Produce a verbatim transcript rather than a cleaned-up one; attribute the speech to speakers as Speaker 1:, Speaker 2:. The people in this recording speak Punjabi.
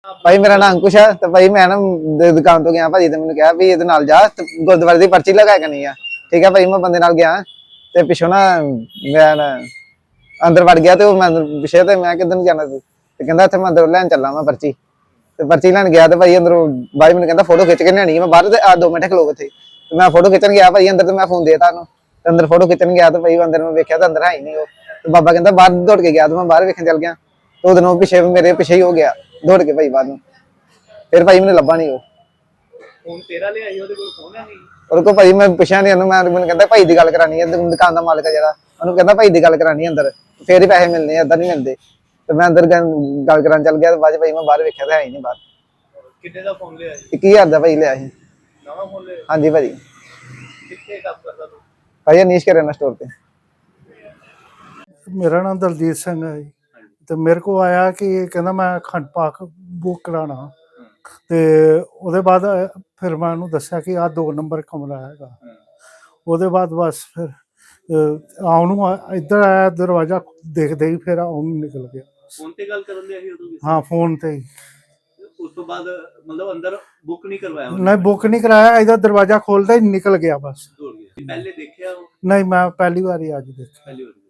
Speaker 1: ਭਾਈ ਮੇਰਾ ਨਾਮ ਅੰਕੁਸ਼ ਹੈ ਤੇ ਭਾਈ ਮੈਂ ਨਾ ਦ- ਦੁਕਾਨ ਤੋਂ ਗਿਆ ਭਾਜੀ ਤੇ ਮੈਨੂੰ ਕਿਹਾ ਵੀ ਇਹਦੇ ਨਾਲ ਜਾ ਤੇ ਗੁਰਦੁਆਰੇ ਦੀ ਪਰਚੀ ਲਗਾ ਕੇ ਨਹੀਂ ਆ। ਠੀਕ ਹੈ ਭਾਈ ਮੈਂ ਬੰਦੇ ਨਾਲ ਗਿਆ ਤੇ ਪਿੱਛੋਂ ਨਾ ਮੈਂ ਨਾ ਅੰਦਰ ਵੜ ਗਿਆ ਤੇ ਉਹ ਮੈਂ ਅੰਦਰ ਪਿੱਛੇ ਤੇ ਮੈਂ ਕਿੱਧਰ ਨੂੰ ਜਾਣਾ ਸੀ ਤੇ ਕਹਿੰਦਾ ਇੱਥੇ ਮੈਂ ਅੰਦਰ ਲੈਣ ਚੱਲਾਂ ਮੈਂ ਪਰਚੀ ਤੇ ਪਰਚੀ ਲੈਣ ਗਿਆ ਤੇ ਭਾਈ ਅੰਦਰੋਂ ਬਾਈ ਮੈਨੂੰ ਕਹਿੰਦਾ ਫੋਟੋ ਖਿੱਚ ਕੇ ਲਿਆਣੀ ਮੈਂ ਬਾਹਰ ਤੇ ਆ ਦੋ ਮਿੰਟ ਖਲੋ ਉੱਥੇ ਤੇ ਮੈਂ ਫੋਟੋ ਖਿੱਚਣ ਗਿਆ ਭਾਈ ਅੰਦਰ ਤੇ ਮੈਂ ਫੋਨ ਦੇਤਾ ਉਹਨੂੰ ਤੇ ਅੰਦਰ ਫੋਟੋ ਖਿੱਚਣ ਗਿਆ ਤੇ ਭਾਈ ਅੰਦਰ ਮੈਂ ਵੇਖਿਆ ਤਾਂ ਅੰਦਰ ਹੈ ਹੀ ਨਹੀਂ ਉਹ ਤੇ ਬਾਬਾ ਕਹਿੰਦਾ ਬਾਹਰ ਦੌੜ ਕੇ ਗਿਆ ਤੇ ਮੈਂ ਬਾਹਰ ਵੇਖਣ ਚੱਲ ਗਿਆ ਤੇ ਉਹਦੇ ਨਾਲ ਪਿੱਛੇ ਮੇਰੇ ਪਿੱਛੇ ਹੀ ਹੋ ਗਿਆ ਦੌੜ ਕੇ ਭਾਈ ਬਾਹਰ ਨੂੰ। ਫਿਰ ਭਾਈ ਮੈਨੂੰ ਲੱਭਾ ਨਹੀਂ ਉਹ
Speaker 2: ਫੋਨ ਤੇਰਾ ਲਿਆ ਸੀ ਉਹਦੇ ਕੋਲ ਫੋਨ ਹੈ ਨਹੀਂ
Speaker 1: ਉਹਦੇ ਕੋਲ ਭਾਈ ਮੈਂ ਪੁੱਛਿਆ ਨਹੀਂ ਉਹਨੂੰ ਮੈਂ ਮੈਨੂੰ ਕਹਿੰਦਾ ਭਾਈ ਦੀ ਗੱਲ ਕਰਾਣੀ ਹੈ ਦੁਕਾਨ ਦਾ ਮਾਲਕ ਹੈ ਜਿਹੜਾ ਉਹਨੂੰ ਕਹਿੰਦਾ ਭਾਈ ਦੀ ਗੱਲ ਕਰਾਣੀ ਅੰਦਰ ਫੇਰ ਹੀ ਪੈਸੇ ਮਿਲਣੇ ਏਦਾਂ ਨਹੀਂ ਮਿਲਦੇ ਤੇ ਮੈਂ ਅੰਦਰ ਗੱਲ ਕਰਾਂ ਚੱਲ ਗਿਆ ਤੇ ਬਾਅਦ ਭਾਈ ਮੈਂ ਬਾਹਰ ਵੇਖਿਆ ਤਾਂ ਹੈ ਹੀ ਨਹੀਂ ਬਾਹਰ।
Speaker 2: ਕਿੰਨੇ ਦਾ ਫੋਨ ਲਿਆ ਸੀ?
Speaker 1: ਇੱਕੀ ਹਜ਼ਾਰ ਦਾ ਭਾਈ ਲਿਆ ਸੀ
Speaker 2: ਨਵਾਂ ਫੋਨ ਲਿਆ?
Speaker 1: ਹਾਂਜੀ ਭਾਜੀ।
Speaker 2: ਕਿੱਥੇ ਕੰਮ ਕਰਦਾ ਤੂੰ?
Speaker 1: ਭਾਈ ਅਨੀਸ਼ ਕਰਿਆਨਾ ਸਟੋਰ ਤੇ।
Speaker 3: ਮੇਰਾ ਨਾਮ ਦਲਜੀਤ ਸਿੰਘ ਹੈ ਜੀ ਤੇ ਮੇਰੇ ਕੋ ਆਇਆ ਕਿ ਕਹਿੰਦਾ ਮੈਂ ਅਖੰਡ ਪਾਠ ਬੁੱਕ ਕਰਾਉਣਾ ਤੇ ਉਹਦੇ ਬਾਅਦ ਫਿਰ ਮੈਂ ਉਹਨੂੰ ਦੱਸਿਆ ਕਿ ਆਹ ਦੋ ਨੰਬਰ ਕਮਰਾ ਹੈਗਾ। ਉਹਦੇ ਬਾਅਦ ਬਸ ਫਿਰ ਆਉਣ ਨੂੰ ਇੱਧਰ ਆਇਆ ਦਰਵਾਜ਼ਾ ਦੇਖਦੇ ਹੀ ਫਿਰ ਆਉਣ ਨੂੰ ਨਿਕਲ ਗਿਆ।
Speaker 2: ਫੋਨ ਤੇ ਗੱਲ ਕਰਨ ਦੇ ਸੀ ਉਦੋਂ ਵੀ?
Speaker 3: ਹਾਂ ਫੋਨ ਤੇ ਹੀ।
Speaker 2: ਉਸ ਤੋਂ ਬਾਅਦ ਮਤਲਬ ਅੰਦਰ ਬੁੱਕ ਨਹੀਂ ਕਰਵਾਇਆ?
Speaker 3: ਨਹੀਂ ਬੁੱਕ ਨਹੀਂ ਕਰਾਇਆ, ਇਹਦਾ ਦਰਵਾਜ਼ਾ ਖੋਲਦਾ ਹੀ ਨਿਕਲ ਗਿਆ ਬਸ।
Speaker 2: ਪਹਿਲੇ ਦੇਖਿਆ ਉਹ?
Speaker 3: ਨਹੀਂ ਮੈਂ ਪਹਿਲੀ ਵਾਰੀ ਅੱਜ ਦੇਖਿਆ।
Speaker 2: ਪਹਿਲੀ ਵਾਰ